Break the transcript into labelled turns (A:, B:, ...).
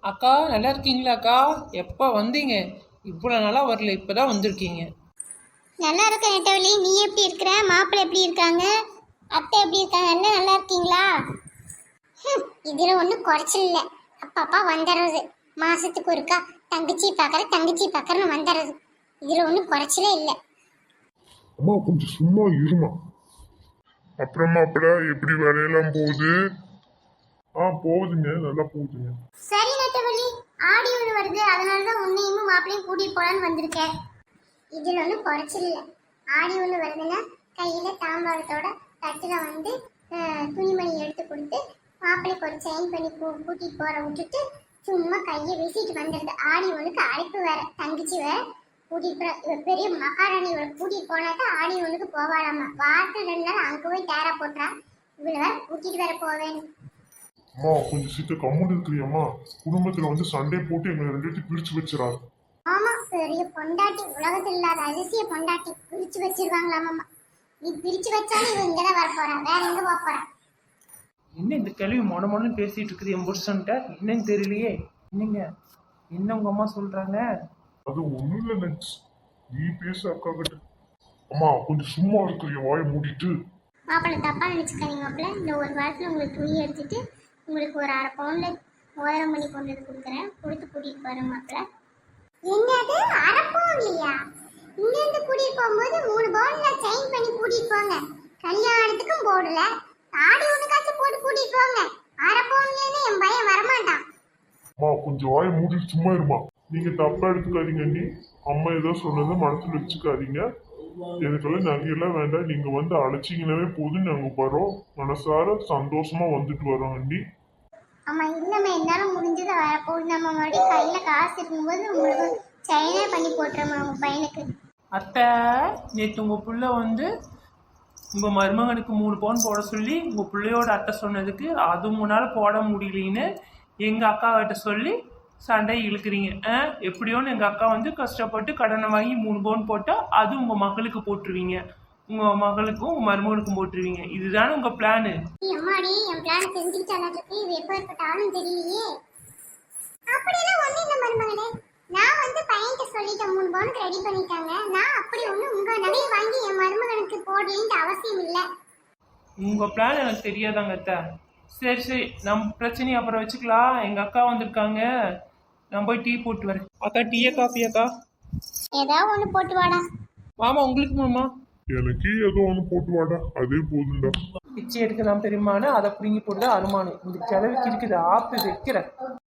A: அக்கா நல்லா இருக்கீங்களாக்கா? எப்போ வந்தீங்க? இவ்வளோ நாளாக வரல, இப்போ தான் வந்திருக்கீங்க.
B: நல்லா இருக்க நெட்டவழி. நீ எப்படி இருக்கிற? மாப்பிள்ளை எப்படி இருக்காங்க? அத்தை எப்படி இருக்காங்க? அண்ணன் நல்லா இருக்கீங்களா? இதில் ஒன்றும் குறைச்சல் இல்லை. அப்பப்பா வந்துடுறது. மாதத்துக்கு ஒருக்கா தங்கச்சி பார்க்குறன்னு வந்துடுறது. இதில் ஒன்றும் குறைச்சலே இல்லை.
C: அம்மா கொஞ்சம் சும்மா இருமா. அப்புறமா எப்படி வேலையெல்லாம் போகுது? போகுதுங்க, நல்லா போகுதுங்க.
B: சரி நெட்டவழி, ஆடி ஒன்று வருது, அதனால தான் உன்னையும் மாப்பிள்ளையும் கூட்டிட்டு போலான்னு வந்திருக்கேன். இதில் ஒன்றும் குறைச்சல் இல்லை. ஆடி ஒன்று வருதுன்னா கையில் தாம்பாளத்தோட தட்டில் வந்து துணிமணி எடுத்து கொடுத்து மாப்பிள்ளைக்கு ஒரு செயின் பண்ணி கூட்டிட்டு போற விட்டுட்டு சும்மா கையை வீசிட்டு வந்துடுது. ஆடி ஒன்றுக்கு அழைப்பு வேற, தங்கச்சி வேற கூட்டிட்டு போற. பெரிய மகாராணி கூட்டிட்டு போனாக்கா ஆடி ஒன்றுக்கு போவாளாமா. வாரத்தில் 2 நாள் அங்கே போய் டேரா போட்டுறா. இவ்வளோ வேற கூட்டிட்டு வேற போவேன்.
C: அம்மா கொஞ்சம் சீக்கிரம் கம்முன்னு இருக்கிறியம்மா. குடும்பத்துல வந்து சண்டை போட்டு எங்களை 2 பேர்த்தையும் பிரிச்சு வச்சிடாது.
B: ஆமா, பெரிய பொண்டாட்டி, உலகத்தில் இல்லாத அதிசய பொண்டாட்டி பிரிச்சு வச்சிருவாங்களாமா. நீ பிரிச்சு வச்சாலும் இவன் இங்கதான் வர போறான், வேற எங்க போக போறான்?
A: என்ன இந்த கேள்வி மொடன்னு பேசிட்டு இருக்குது என் புருஷன்ட்ட? என்னன்னு தெரியலையே. என்னங்க என்ன உங்க அம்மா சொல்றாங்க?
C: அது ஒண்ணும் இல்லை நெக்ஸ், நீ பேச அக்கா கிட்ட. அம்மா கொஞ்சம் சும்மா இருக்கிற வாயை மூடிட்டு.
B: மாப்பிள்ளை தப்பா நினைச்சுக்காதீங்க மாப்பிள்ளை. இந்த ஒரு வாரத்துல உங்களுக்கு துணி எடுத்துட்டு உங்களுக்கு ஒரு 1/2 பவுன்ல மோதிரம் பண்ணி கொண்டு வந்து கொடுக்குறேன். கொடுத்து கூட்டிட்டு போறேன் மாப்பிள்ளை. என்னது 1/2 பவுன்லையா? இங்க இருந்து கூட்டிட்டு போகும்போது 3 பவுன்ல செயின் பண்ணி கூட்டிட்டு போங்க. கல்யாணத்துக்கும் போடல, ஆடி ஒண்ணுக்காச்சும் போட்டு கூட்டிட்டு போங்க. 1/2 பவுன்லன்னு என் பையன் வரமாட்டான்.
C: அம்மா கொஞ்சம் வாயை மூடிட்டு சும்மா இருமா. நீங்க தப்பா எடுத்துக்காதீங்க. நீ அம்மா ஏதோ சொன்னதை மனசுல வச்சுக்காதீங்க. எனக்கெல்லாம் நகையெல்லாம் வேண்டாம். நீங்க வந்து அழைச்சிங்கனாவே போதும், நாங்க வரோம். மனசார சந்தோஷமா வந்துட்டு வரோம் அண்ணி.
B: ஆமா, இல்லம்மா, என்னால முடிஞ்சதை வரப்போகுது. நம்ம மறுபடியும் கையில காசு இருக்கும்போது உங்களுக்கு செயினே பண்ணி போட்டுறோமா உங்க பையனுக்கு.
A: அத்தை, நேற்று உங்க புள்ள வந்து உங்க மருமகனுக்கு 3 பவுன் போட சொல்லி உங்க பிள்ளையோட அத்தை சொன்னதுக்கு அது முன்னால போட முடியலன்னு எங்க அக்கா கிட்ட சொல்லி சண்டை இழுக்கிறீங்க. எப்படியோன்னு எங்க அக்கா வந்து கஷ்டப்பட்டு கடனை வாங்கி 3 பவுன் போட்டா அது உங்க மகளுக்கு போட்டுருவீங்க, உங்க மகளுக்கும் உங்க மருமகனுக்கும் போட்டுருவீங்க. இதுதானே உங்க பிளானு?
B: அம்மாடி, என் பிளான் தெரிஞ்சுக்கிட்டாலும் இது எப்ப இருக்கட்டாலும் தெரியலையே. அப்படியெல்லாம் ஒண்ணு இல்ல மருமகளே. நான் வந்து பையன்கிட்ட சொல்லிட்டேன், 3 பவுனுக்கு ரெடி பண்ணிட்டாங்க. நான் அப்படி ஒண்ணு உங்க நகையை வாங்கி என் மருமகனுக்கு போடலன்னு அவசியம் இல்லை.
A: உங்க பிளான் எனக்கு தெரியாதாங்க அத்தை. சரி சரி, நம்ம பிரச்சனையை அப்புறம் வச்சுக்கலாம். எங்க அக்கா வந்திருக்காங்க, நான் போய் டீ போட்டு வரேன். அக்கா டீயா காஃபியாக்கா?
B: ஏதாவது ஒண்ணு போட்டு வாடா.
A: மாமா உங்களுக்கு மாமா?
C: எனக்கு ஏதோ ஒண்ணு போட்டு வாடா, அதே போதும்டா.
A: பிச்சை எடுக்கலாம் பெருமானு, அதை பிடுங்கி போட்டு அருமானு. இந்த கிழவிக்கு இருக்குது ஆப்பு வைக்கிறேன்.